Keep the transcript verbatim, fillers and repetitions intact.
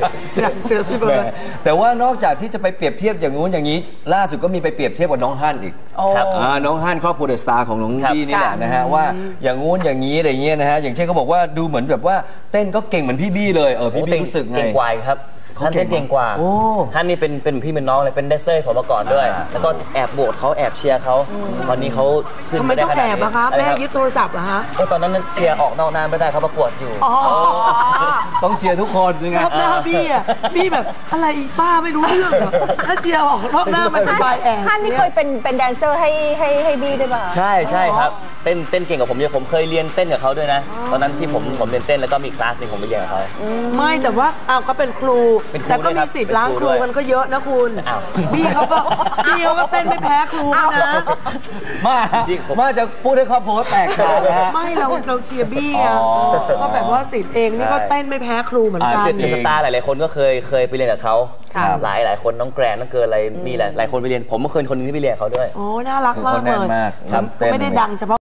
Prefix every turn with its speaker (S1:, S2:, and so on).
S1: เจอพี่เบิร์ด
S2: แต่ว่านอกจากที่จะไปเปรียบเทียบอย่างงู้นอย่างนี้ล่าสุดก็มีไปเปรียบเทียบกับน้องฮั่นอีกครับน้องฮั่นครอบครัวเดอะสตาร์ของน้องบี้นี่แหละนะฮะว่าอย่างงู้นอย่างนี้อะไรเงี้ยนะฮะอย่างเช่นเขาบอกว่าดูเหมือนแบบว่าเต้นก็เก่งเหมือนพี่บี้เลยเออพี่บี้รู้สึกไง
S3: เก่งกว่าครับท่านเต้นเก่งกว่าท่านนี่เป็นเป็นพี่เป็นน้องเลยเป็นแดนเซอร์ของมาก่อนด้วยแล้วก็แอบโบสเขาแอบเชียร์เขาตอนนี้เขาขึ้นไม่ได้ขนาดนี้ทำไมต้องแอบอะคะแม่ยึดโทรศัพท์เหรอฮะก็ตอนนั้นเชียร์ออกนอกหน้าไม่ได้เขาประกวดอยู่
S2: ต้องเชียร์ทุกคน
S1: ชอบหน้าบี้อะบี้แบบอะไรป้าไม่รู้เรื่องเหรอถ้าเชียร์ออกนอกหน้ามันเป็นบายแอบ
S4: ท่านนี่เคยเป็นเป็นแดนเซอร์ให้ให้ให้บี้ด้วยป่ะ
S3: ใช่ใช่ครับเต้นเต้นเก่งกว่าผมเยอะผมเคยเรียนเต้นกับเขาด้วยนะตอนนั้นที่ผมผมเรียนเต้นแล้วก็มีคลาสนึงผมไปเรียนกับเขา
S1: ไม่แต่ว่าอ้าวเขาเป็นครูแต่ก็มีสิทธิ์ล้างครูมันก็เยอะนะคุณบี้เขาก็บี้เขาก็เต้นไม่แพ้ครูนะ
S2: มามาจะพูดให้ครอบครัวแตกต่างนะ
S1: ไม่เราเราเชียร์บี้อ่ะก็แบบว่าสิทธิ์เองนี่ก็เต้นไม่แพ้ครูเหมือนกัน
S3: เดอะสตาร์หลายๆคนก็เคยเคยไปเรียนกับเขาหลายหลายคนน้องแกรนน้องเกิร์ลอะไรมีหลายหลายคนไปเรียนผมก็เคยคนนึงที่ไปเรียนเขาด้วย
S1: โอ้น่ารักมากเลยไม่ได้ดังเฉพาะ